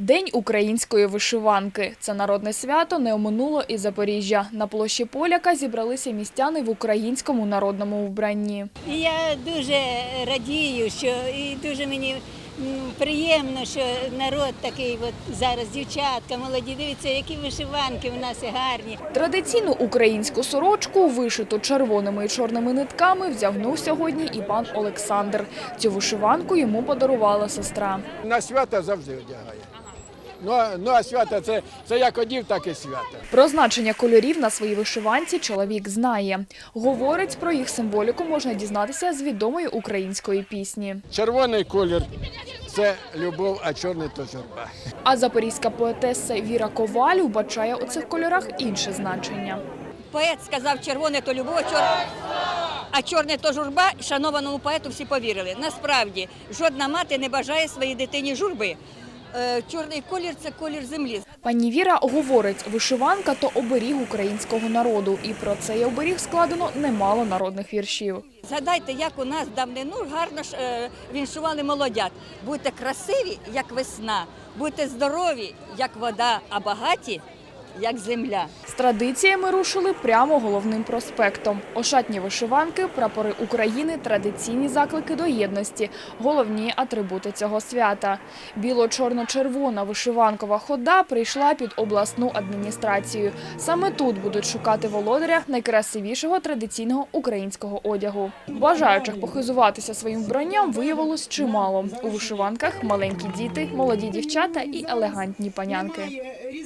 День української вишиванки. Це народне свято не оминуло і Запоріжжя. На площі Поляка зібралися містяни в українському народному вбранні. Я дуже радію, що і дуже мені приємно, що народ такий зараз, дівчатка, молоді, дивіться, які вишиванки в нас гарні. Традиційну українську сорочку, вишиту червоними і чорними нитками, вдягнув сьогодні і пан Олександр. Цю вишиванку йому подарувала сестра. На свята завжди одягає. Ну а свята це як одів, так і свята. Про значення кольорів на своїй вишиванці чоловік знає. Говорить, про їх символіку можна дізнатися з відомої української пісні. Червоний колір – це любов, а чорний – то журба. А запорізька поетеса Віра Коваль вбачає у цих кольорах інше значення. Поет сказав, червоне – то любов, а чорне – то журба. Шанованому поету всі повірили. Насправді, жодна мати не бажає своїй дитині журби. Чорний колір – це колір землі. Пані Віра говорить, вишиванка – то оберіг українського народу. І про цей оберіг складено немало народних віршів. Згадайте, як у нас давнину гарно віншували молодят. Будьте красиві, як весна, будьте здорові, як вода, а багаті, як земля. З традиціями рушили прямо головним проспектом. Ошатні вишиванки, прапори України – традиційні заклики до єдності, головні атрибути цього свята. Біло-чорно-червона вишиванкова хода прийшла під обласну адміністрацію. Саме тут будуть шукати володаря найкрасивішого традиційного українського одягу. Бажаючих похизуватися своїм вбранням виявилось чимало. У вишиванках маленькі діти, молоді дівчата і елегантні панянки.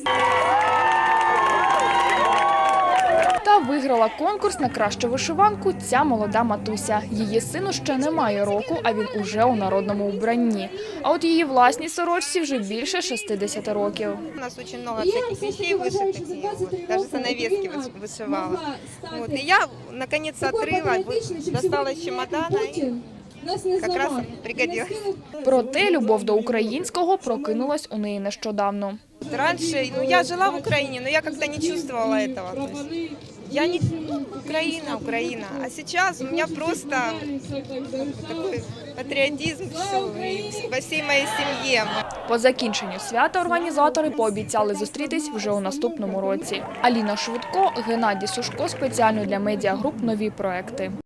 Та виграла конкурс на кращу вишиванку ця молода матуся. Її сину ще немає року, а він уже у народному вбранні. А от її власній сорочці вже більше 60 років. У нас дуже багато всяких вещей вишитих, навіть занавески вишивала. І я, наконець, відкрила, достала з чемодана і якраз пригодилась. Проте любов до українського прокинулась у неї нещодавно. Раньше, я жила в Украине, но я как-то не чувствовала этого. То есть я не Украина. А сейчас у меня просто такой патриотизм во всей моей семье. По закінченню свята організатори пообіцяли зустрітись вже у наступному році. Аліна Швидко, Геннадій Сушко спеціально для медіагруп «Нові проекти».